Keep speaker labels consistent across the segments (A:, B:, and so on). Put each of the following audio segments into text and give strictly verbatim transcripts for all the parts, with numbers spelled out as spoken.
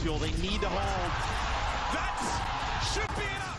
A: Lazio, they need the hold. That should be enough.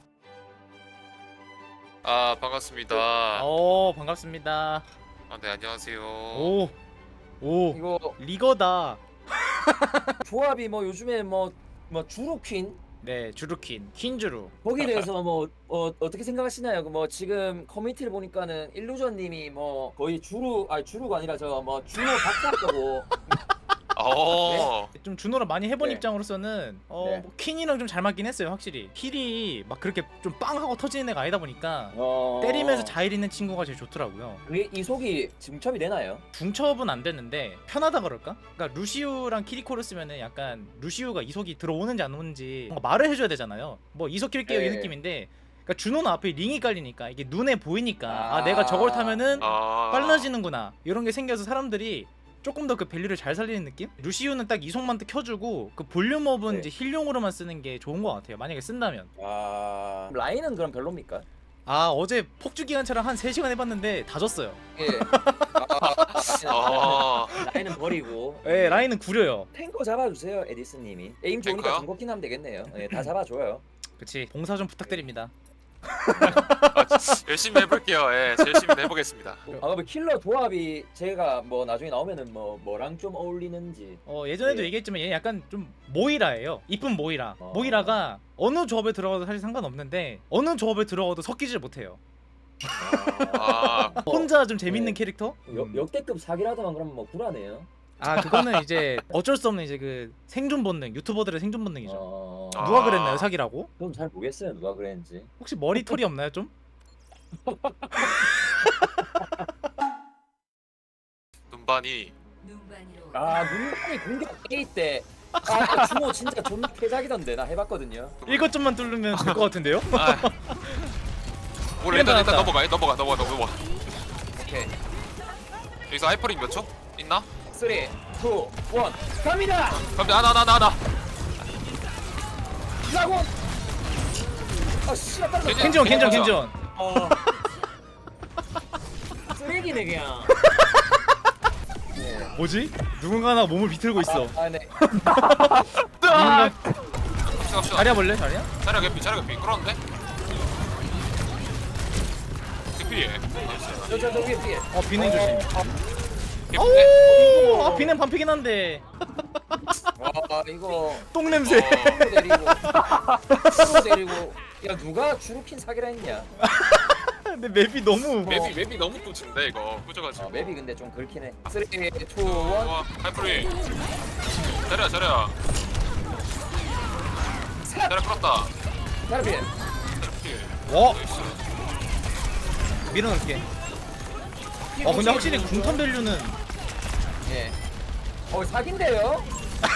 B: 아 반갑습니다.
C: 어 반갑습니다.
B: 아, 네 안녕하세요.
C: 오, 오
D: 이거
C: 리거다.
D: 조합이 뭐 요즘에 뭐 뭐 주루퀸
C: 네 주루퀸 퀸주루.
D: 거기에 대해서 뭐 어, 어떻게 생각하시나요? 뭐 지금 커뮤니티를 보니까는 일루전님이 뭐 거의 주루 아니 주루가 아니라 저 뭐 준호 박사라고
B: 어.
C: 좀 준호를 많이 해본
D: 네.
C: 입장으로서는 어
D: 네.
C: 뭐 퀸이랑 좀 잘 맞긴 했어요 확실히. 힐이 막 그렇게 좀 빵 하고 터지는 애가 아니다 보니까
D: 어...
C: 때리면서 자일 있는 친구가 제일 좋더라고요.
D: 그게 이속이 증첩이 되나요?
C: 중첩은 안 됐는데 편하다 그럴까? 그러니까 루시우랑 키리코를 쓰면은 약간 루시우가 이속이 들어오는지 안 오는지 뭔가 말을 해줘야 되잖아요. 뭐 이속 킬게요 이
D: 네.
C: 느낌인데, 그러니까 준호는 앞에 링이 깔리니까 이게 눈에 보이니까 아,
D: 아.
C: 내가 저걸 타면은
B: 아.
C: 빨라지는구나 이런 게 생겨서 사람들이 조금 더 그 밸류를 잘 살리는 느낌? 루시우는 딱 이속만 딱 켜주고 그 볼륨업은
D: 네.
C: 이제 힐용으로만 쓰는 게 좋은 것 같아요 만약에 쓴다면.
D: 아 라인은 그럼 별로입니까?
C: 아 어제 폭주기관차랑 한 세 시간 해봤는데 다 졌어요.
D: 예. 아,
B: 아.
D: 라인은 버리고.
C: 예 라인은 구려요.
D: 탱커 잡아주세요 에디슨님이. 에임 좋으니까
B: 탱커요?
D: 중고킨 하면 되겠네요. 예, 다 잡아줘요.
C: 그치 봉사 좀 부탁드립니다.
B: 아, 열심히 해볼게요. 예, 열심히 해보겠습니다.
D: 아 그럼 킬러 조합이 제가 뭐 나중에 나오면은 뭐 뭐랑 좀 어울리는지.
C: 어 예전에도
D: 예.
C: 얘기했지만 얘 약간 좀 모이라예요. 이쁜 모이라.
D: 어.
C: 모이라가 어느 조합에 들어가도 사실 상관없는데 어느 조합에 들어가도 섞이질 못해요.
B: 아.
C: 혼자 좀 재밌는
D: 네.
C: 캐릭터?
D: 역, 역대급 사기라더만 그러면 뭐 불안해요.
C: 아 그거는 이제 어쩔 수 없는 이제 그 생존 본능, 유튜버들의 생존 본능이죠.
D: 어...
B: 아.
C: 누가 그랬나요 사기라고?
D: 그럼 잘 모르겠어요 누가 그랬는지.
C: 혹시 머리털이 없나요 좀?
B: 눈반이.
D: 아 눈이 공격 A 때. 아 주모 진짜 존나 패작이던데 나 해봤거든요.
C: 일곱 점만 뚫으면 될 것 같은데요?
B: 아. 올 일단 일단
C: 나왔다.
B: 넘어가 넘어가 넘어가 넘어가.
D: 오케이.
B: 여기서 하이퍼링 몇 초? 있나?
D: 삼, 이, 일 갑니다.
B: 그럼 나나 나 나 나.
D: 라고. 아 씨발 떨어졌다.
B: 괜찮아.
C: 켄지원 켄지원
B: 맞아.
C: 켄지원.
D: 어. 쓰레기네 그냥. 네.
C: 뭐지? 누군가나 몸을 비틀고 있어.
D: 아, 아 네.
C: 누군가
B: 갑시다 갑시다.
C: 자리야 볼래? 자리야?
B: 자리가 개피 자리가 개피 끌었는데? 개피예.
D: 저저 저 위에 위에.
C: 어 비냉 조심.
B: 개피인데?
C: 오! 아 비냉 반피긴 한데
D: 와 이거
C: 똥 냄새.
B: 어.
D: 프로 데리고 프로 데리고 야 누가 주루킨 사기라 했냐?
C: 근데 맵이 너무
B: 맵이 맵이 너무 꽂힌데 이거 꾸져가지고.
D: 어, 맵이 근데 좀 그렇긴 해. 삼, 이, 일.
B: 어, 하이프리. 자리야 자리야. 자리야 끌었다.
D: 사라비.
C: 어? 밀어넣을게. 어 근데 확실히 궁탄 밸류는
D: 예. 어 사기인데요?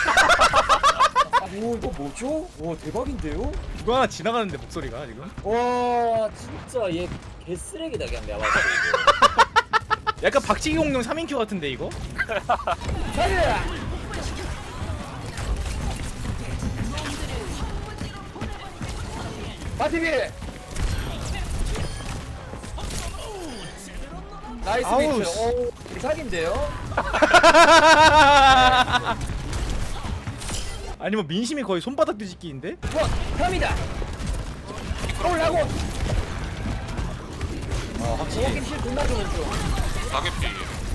D: 오 이거 뭐죠? 와 대박인데요?
C: 누가 하나 지나가는데 목소리가 지금
D: 와 진짜 얘 개쓰레기다 그냥 내가 봤을 때.
C: 약간 박치기 공룡 삼 인큐 같은데 이거?
D: 사기야. 바티비. 나이스
C: 아우,
D: 비트. 오 대사기인데요?
C: 아니 뭐 민심이 거의 손바닥 뒤집기인데?
D: 원 갑니다. 올라고.
C: 어 확실히
D: 호긴 힐 존나 주는 중.
B: 가개피.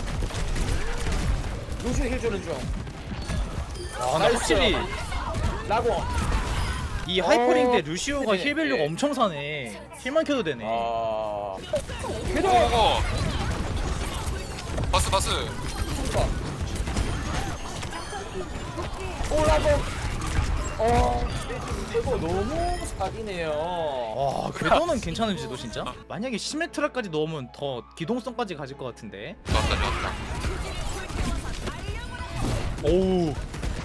D: 루슈 힐 주는 중.
C: 아 근데
D: 나이스.
C: 확실히
D: 라고.
C: 이 하이퍼링 때
D: 어,
C: 루시오가
D: 네,
C: 힐 밸류가
D: 네.
C: 엄청 사네. 힐만 켜도 되네.
D: 아. 궤도.
B: 오고. 바스 바스.
D: 올라고. 어. 이거 너무 사기네요.
C: 와 궤도는 괜찮은지도 진짜? 만약에 시메트라까지 넣으면 더 기동성까지 가질 것 같은데.
B: 좋았다 좋았다.
C: 오우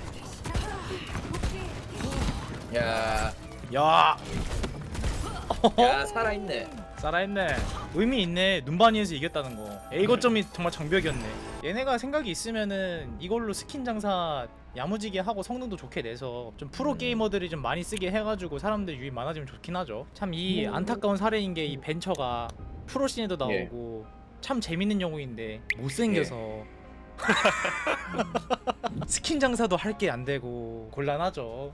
D: 야.
C: 야
D: 야 살아있네.
C: 살아있네. 의미 있네. 눈바니에서 이겼다는 거. A 거점이 정말 장벽이었네. 얘네가 생각이 있으면은 이걸로 스킨 장사 야무지게 하고 성능도 좋게 내서 좀 프로
D: 음.
C: 게이머들이 좀 많이 쓰게 해가지고 사람들 유입 많아지면 좋긴 하죠. 참 이 안타까운 사례인 게 이 벤처가 프로 씬에도 나오고 참 재밌는 영웅인데 못생겨서 스킨 장사도 할 게 안 되고 곤란하죠.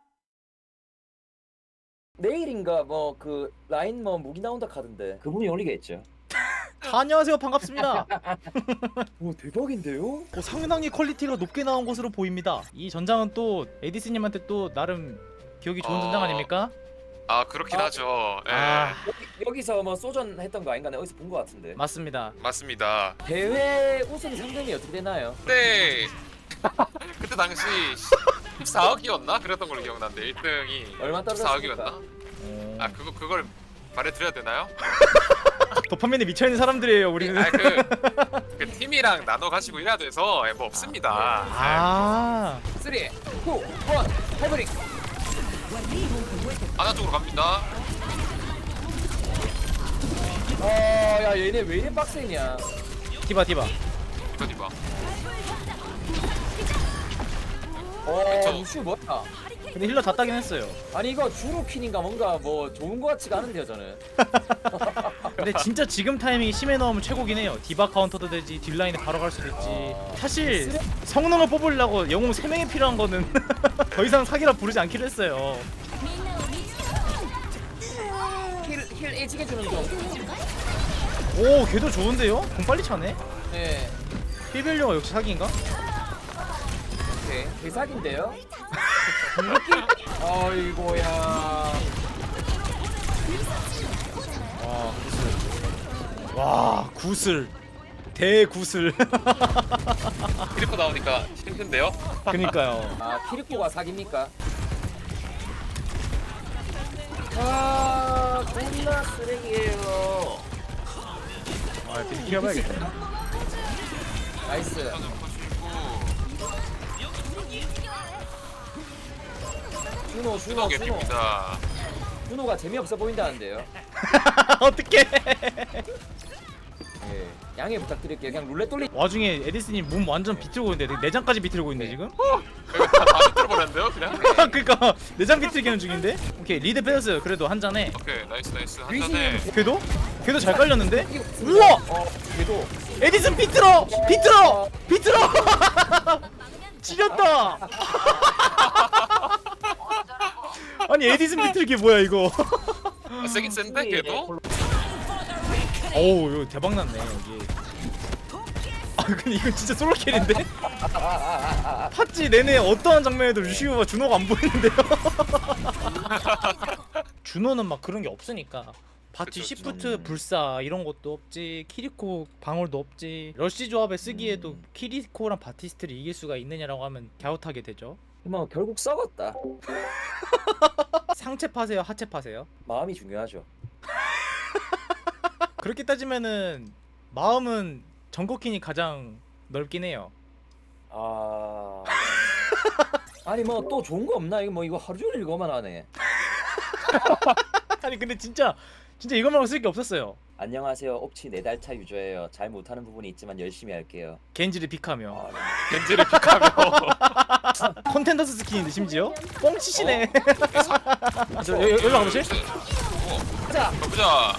D: 내일인가 뭐 그 라인 뭐 무기 나온다 카던데 그분이 올리겠죠.
C: 자, 안녕하세요. 반갑습니다.
D: 오 대박인데요?
C: 어, 상당히 퀄리티가 높게 나온 것으로 보입니다. 이 전장은 또 에디스님한테 또 나름 기억이 좋은
B: 어.
C: 전장 아닙니까?
B: 아 그렇긴
D: 아.
B: 하죠. 예.
C: 아
D: 여기, 여기서 뭐 소전 했던 거 아닌가? 내가 어디서 본 거 같은데.
C: 맞습니다.
B: 맞습니다.
D: 대회 우승 상금이 어떻게 되나요?
B: 그때 그때 당시 십사억이었나 그랬던 걸로 기억나는데 일 등이
D: 얼마
B: 십사억이었나?
D: 떨어졌습니까?
C: 어...
B: 아 그거 그걸 말해드려야 되나요?
C: 도파민에 미쳐있는 사람들이에요 우리는.
B: 아그 그 팀이랑 나눠 가지고 일해야 돼서 예, 뭐 없습니다.
C: 아
D: 삼, 이, 일, 하이브릭.
B: 하나 쪽으로 갑니다.
D: 어야 얘네 왜 이래 빡세냐?
C: 디바 디바.
B: 이거 디바.
D: 어
B: 저-
D: 루슈 뭐야?
C: 근데 힐러 다 따긴 했어요.
D: 아니 이거 주루킨인가 뭔가 뭐 좋은 거 같지가 않은데요 저는.
C: 근데 진짜 지금 타이밍이 심해 넣으면 최고긴 해요. 디바 카운터도 되지, 딜라인에 바로 갈 수도 있지.
D: 아.
C: 사실 성능을 뽑으려고 영웅 세 명이 필요한 거는 더 이상 사기라 부르지 않기로 했어요.
D: 힐힐 애지게 주는 중.
C: 오 걔도 좋은데요? 공 빨리 차네?
D: 네.
C: 힐벨려가 역시 사기인가?
D: 오케이 대사기인데요. 느낌. 어이고야.
C: 와 구슬. 와 구슬. 대구슬.
B: 키리코 나오니까 힘든데요?
C: 그니까요.
D: 아 키리코가 사기입니까? 아 존나 쓰레기예요.
C: 아 미리 키워봐야겠다.
D: 나이스.
B: 하나 퍼시고
D: 준호 준호
B: 준호
D: 준호.
B: 개피입니다.
D: 준호가 재미없어 보인다는데요.
C: 어떡해.
D: 예. 양해 부탁드릴게요. 그냥 룰렛 돌리.
C: 와중에 에디스님 몸 완전 비틀고 있는데 내장까지 비틀고 있네 지금?
B: 이거 다 비틀어버렸는데요 그냥?
C: 그니까 내장 비틀기는 중인데? 오케이 리드 빼었어요. 그래도 한 잔에.
B: 오케이 나이스 나이스 한
D: 귀신이
B: 잔에
C: 걔도? 걔도 잘 깔렸는데?
D: 이거
C: 우와!
D: 어, 걔도.
C: 에디슨 비틀어! 비틀어! 비틀어! 지렸다! 아니 에디슨 비틀기 뭐야 이거?
B: 아, 세긴 센데 걔도?
C: 어우 이거 대박났네 여기. 아 근데 이건 진짜 솔로킬인데? 팟지 내내 어떠한 장면에도 루시우와 준호가 안 보이는데요? 준호는 막 그런 게 없으니까 바티
B: 그쵸,
C: 시프트 불사 이런 것도 없지, 키리코 방울도 없지. 러쉬 조합에 쓰기에도 키리코랑 바티스트를 이길 수가 있느냐라고 하면 갸웃하게 되죠.
D: 뭐 결국 썩었다.
C: 상체 파세요 하체 파세요?
D: 마음이 중요하죠.
C: 그렇게 따지면은 마음은 정거킨이 가장 넓긴 해요.
D: 아. 아니 뭐 또 좋은 거 없나? 이거 뭐 이거 하루 종일 이거만 하네.
C: 아니 근데 진짜 진짜 이거 말고 쓸 게 없었어요.
D: 안녕하세요. 옵치 네 달 차 유저예요. 잘 못하는 부분이 있지만 열심히 할게요.
C: 겐지를 픽하며
D: 아, 네.
B: 겐지를 픽하며
C: 컨텐더스 스킨인데 심지어 뻥치시네. 저 여- 여- 여기로 가보실?
D: 가자.
B: 가보자.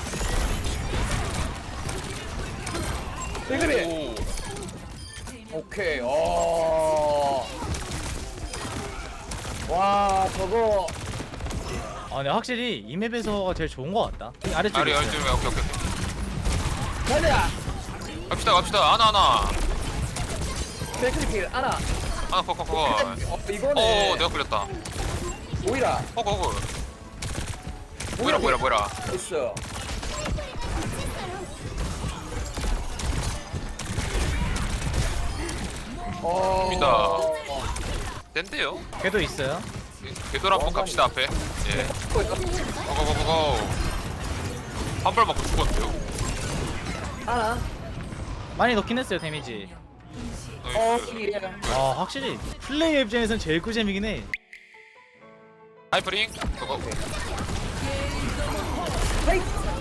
D: 왜 그래?
B: 오.
D: 오케이. 어. 와 저거.
C: 아 근데 확실히 이 맵에서가 제일 좋은 것 같다. 이 아래쪽에
B: 아리 아리
C: 있어요.
B: 오케이 오케이 오케이.
D: 가자.
B: 갑시다 갑시다 하나 하나
D: 백크리필 하나.
B: 하나 퍽퍽퍽.
D: 어 이거네.
B: 어 내가 걸렸다.
D: 오이라.
B: 퍽퍽퍽. 뭐라 뭐라 뭐라.
D: 됐어. 어.
B: 입니다. 된대요.
C: 걔도 있어요.
B: 궤도로 한번 갑시다 앞에. 예. 고고고고고. 한 발 맞고 죽었는데요.
D: 하나.
C: 많이 넣긴 했어요 데미지.
D: 어
B: 나이스.
D: 예.
C: 아 확실히 플레이 입장에선 제일 꿀잼이긴 해.
B: 하이퍼링. 고고.
D: 헤이.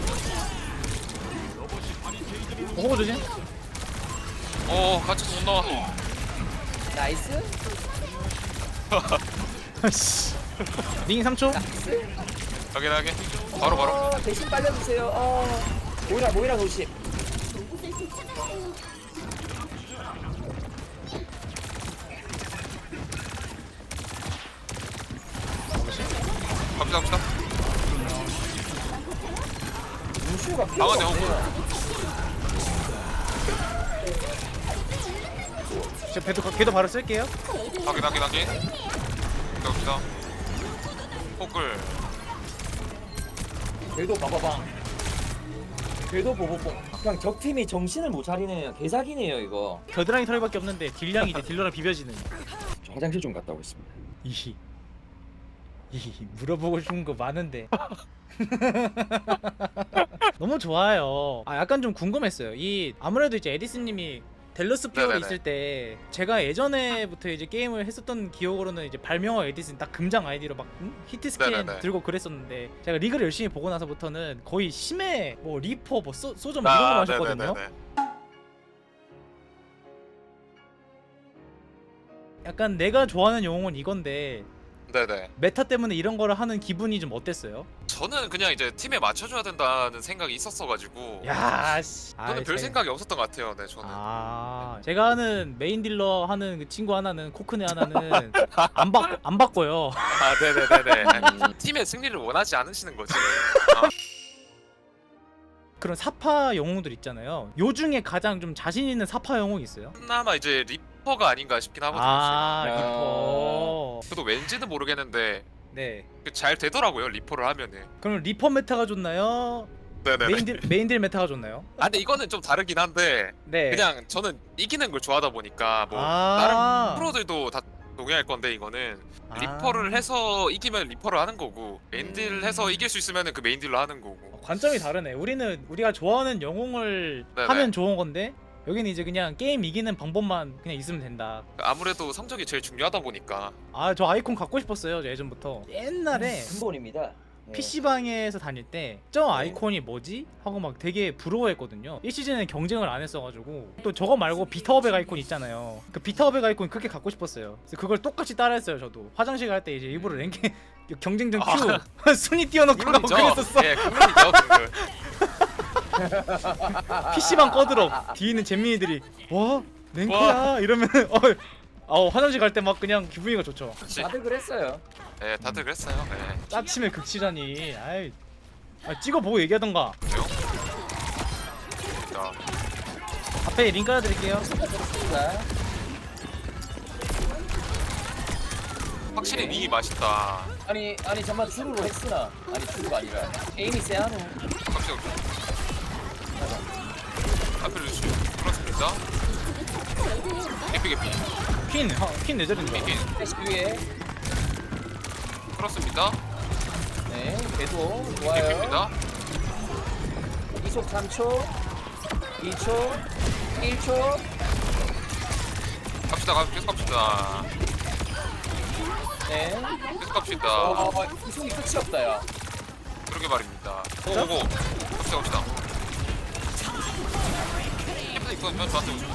C: 어, 호구 조심.
B: 어 같이 못 나와.
D: 나이스.
C: 아씨. 링 삼 초.
D: 나이스.
B: 확인하게. 바로 바로.
D: 어, 대신 빨려주세요. 어. 모이라 모이라 노십.
B: 갑시다 갑시다.
D: 루시오가 필요가
B: 방어네,
D: 없네요.
C: 저 배도 걔도 바로 쓸게요.
B: 확인 확인 확인. 갑시다. 포글.
D: 궤도 바바방. 궤도 보보봉. 그냥 적팀이 정신을 못 차리네요. 개사기네요 이거.
C: 겨드랑이 털밖에 없는데 딜량이 이제 딜러랑 비벼지는.
D: 저 화장실 좀 갔다 오겠습니다.
C: 이히 이 물어보고 싶은 거 많은데. 너무 좋아요. 아 약간 좀 궁금했어요. 이 아무래도 이제 에디슨님이 델러스 피어로
B: 네네네.
C: 있을 때 제가 예전에부터 이제 게임을 했었던 기억으로는 이제 발명어 에디슨 딱 금장 아이디로 막 응? 히트 스캔
B: 네네네.
C: 들고 그랬었는데 제가 리그를 열심히 보고 나서부터는 거의 심해 뭐 리퍼 뭐 소, 소점 이런 거
B: 아,
C: 마셨거든요.
B: 네네네네.
C: 약간 내가 좋아하는 영웅은 이건데
B: 네네.
C: 메타 때문에 이런 거를 하는 기분이 좀 어땠어요?
B: 저는 그냥 이제 팀에 맞춰줘야 된다는 생각이 있었어가지고.
C: 야 씨.
B: 저는
C: 아이,
B: 별
C: 제-
B: 생각이 없었던 것 같아요. 네 저는.
C: 아, 제가 아는 메인 딜러 하는 그 친구 하나는 코크네 하나는 안 받, 안 바꿔요.
B: 아 네네네네. 아니, 팀의 승리를 원하지 않으시는 거지. 아,
C: 그런 사파 영웅들 있잖아요. 요 중에 가장 좀 자신 있는 사파 영웅 있어요?
B: 그나마 이제 리퍼가 아닌가 싶긴 하거든요.
C: 아,
B: 제가.
C: 리퍼.
B: 저도 왠지는 모르겠는데
C: 네.
B: 그잘 되더라고요 리퍼를 하면은.
C: 그럼 리퍼 메타가 좋나요?
B: 네네네.
C: 메인 딜 메인 딜 메타가 좋나요?
B: 아 근데 이거는 좀 다르긴 한데
C: 네.
B: 그냥 저는 이기는 걸 좋아하다 보니까 뭐
C: 아.
B: 다른 프로들도 다 동의할 건데 이거는
C: 아.
B: 리퍼를 해서 이기면 리퍼를 하는 거고 메인딜 해서 이길 수 있으면은 그 메인딜로 하는 거고.
C: 어, 관점이 다르네. 우리는 우리가 좋아하는 영웅을
B: 네네.
C: 하면 좋은 건데 여기는 이제 그냥 게임 이기는 방법만 그냥 있으면 된다.
B: 아무래도 성적이 제일 중요하다 보니까.
C: 아, 저 아이콘 갖고 싶었어요. 저 예전부터. 옛날에
D: 근본입니다. 네.
C: 피씨방에서 다닐 때 저 아이콘이 뭐지? 하고 막 되게 부러워했거든요. 일 시즌에 경쟁을 안 했어가지고 또 저거 말고 비타오백 아이콘 있잖아요. 그 비타오백 아이콘 그렇게 갖고 싶었어요. 그래서 그걸 똑같이 따라했어요. 저도 화장실 갈 때 이제 일부러 랭킹 경쟁전 큐 순위 띄워놓고 가고 그랬었어.
B: 예, 국룰이죠. 국룰.
C: 피씨방 꺼들어. 뒤에 있는 잼민이들이 와 랭크야 이러면 어, 어 화장실 갈 때 막 그냥 기분이가 좋죠.
B: 그치.
D: 다들 그랬어요.
B: 예, 다들 그랬어요. 예.
C: 짜침의 극치라니. 아이, 아, 찍어보고 얘기하던가.
B: 그래요? 자,
C: 앞에 링 깔아드릴게요.
D: 자,
B: 확실히 링이 맛있다.
D: 아니 아니 정말 주루로 했으나 아니 주루가 아니라 에임이 세하노.
B: 갑시다. 앞에 루시 그렇습니다. 개피 개피
C: 퀸, 어, 퀸 내절인가?
B: 개피
D: 패시 위에
B: 그렇습니다.
D: 네 궤도 좋아요.
B: 개피입니다.
D: 이속 삼 초, 이 초, 일 초.
B: 갑시다. 가- 계속 갑시다.
D: 네.
B: 계속 갑시다.
D: 어, 이속이 끝이 없다 야.
B: 그러게 말입니다. 오오오. 갑시다 갑시다. 캠프 이건 저 저한테 오시면.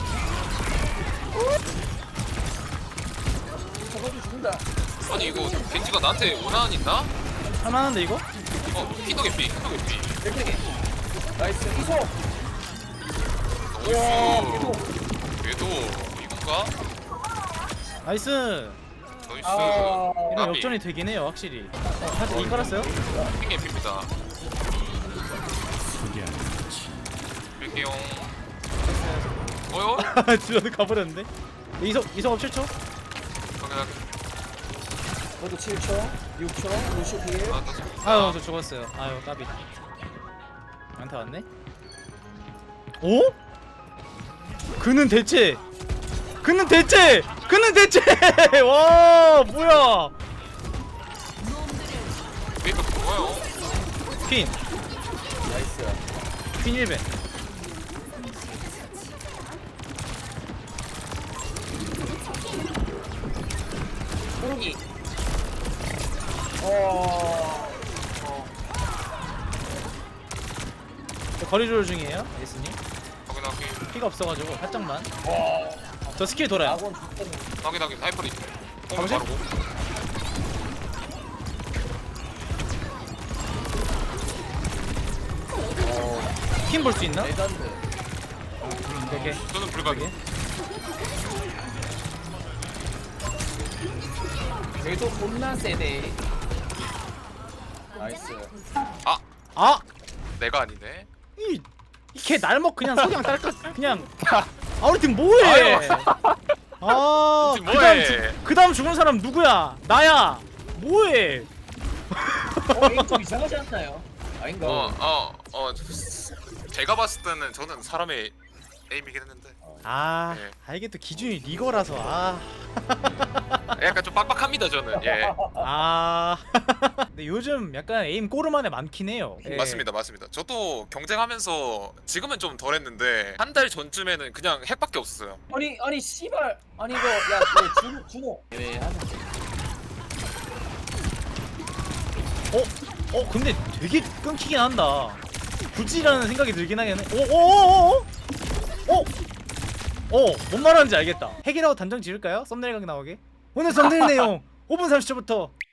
D: 저것도 죽는다.
B: 아니 이거 겐지가 나한테 원한 있나?
C: 할만한데 이거?
B: 어 키도 개피 키도 개피.
D: 백백이. 나이스 이속. 와
B: 나이스.
D: 궤도.
B: 궤도 이건가?
C: 나이스.
B: 나이스.
D: 아.
C: 이런
B: 나비.
C: 역전이 되긴 해요 확실히. 어, 사실 링 깔았어요?
B: 핑 개피입니다. 밀게용. 어요?
C: 딜러도 가버렸는데? 이석, 이석 칠 초?
B: 확인하게.
D: 저도 칠 초, 육 초, 루시 딜.
B: 아, 떴습니다.
C: 아유 저 죽었어요. 아유 까비. 안타 왔네? 오? 그는 대체 그는 대체 그는 대체 와 뭐야
B: 메이크업 좋아요.
C: 퀸
D: 나이스.
C: 퀸 일 배
D: 호르기. 어. 어.
C: 저 거리 조절 중이에요 예스님
B: 확인하게.
C: 피가 없어가지고 살짝만
D: 와.
C: 저 스킬 돌아요
D: 아군 죽겠네.
B: 확인하게. 하이퍼리.
C: 가보지?
B: 바르고.
C: 퀸 볼 수 있나?
D: 레전드.
C: 오케이
B: 저는 불가능.
C: 오케이
D: 궤도 겁나 세네. 나이스.
C: 아!
B: 내가 아니네.
C: 이 걔 날먹 그냥 석양 딸까 그냥 아 우리 팀 뭐해? 아
B: 우리 팀
C: 그다음
B: 뭐해?
C: 죽- 그다음 죽은 사람 누구야? 나야. 뭐해?
D: 어, 게임 좀 이상하지 않나요? 아닌가?
B: 어, 어, 어. 제가 봤을 때는 저는 사람의 에임이긴 했는데
C: 아,
B: 네.
C: 아 이게 또 기준이 리거라서 아.
B: 약간 좀 빡빡합니다 저는. 예.
C: 아. 근데 요즘 약간 에임 꼬르만에 많긴 해요. 예.
B: 맞습니다, 맞습니다. 저도 경쟁하면서 지금은 좀 덜했는데 한 달 전쯤에는 그냥 핵밖에 없었어요.
D: 아니 아니 씨발 아니 이거 야그 준호 준호 왜 하는
C: 어? 어 근데 되게 끊기긴 한다. 굳이라는 생각이 들긴 하겠네. 오오오오? 어? 어? 뭔 말하는지 알겠다. 핵이라고 단정 지을까요? 썸네일 각 나오게. 오늘 썸네일 내용 오 분 삼십 초부터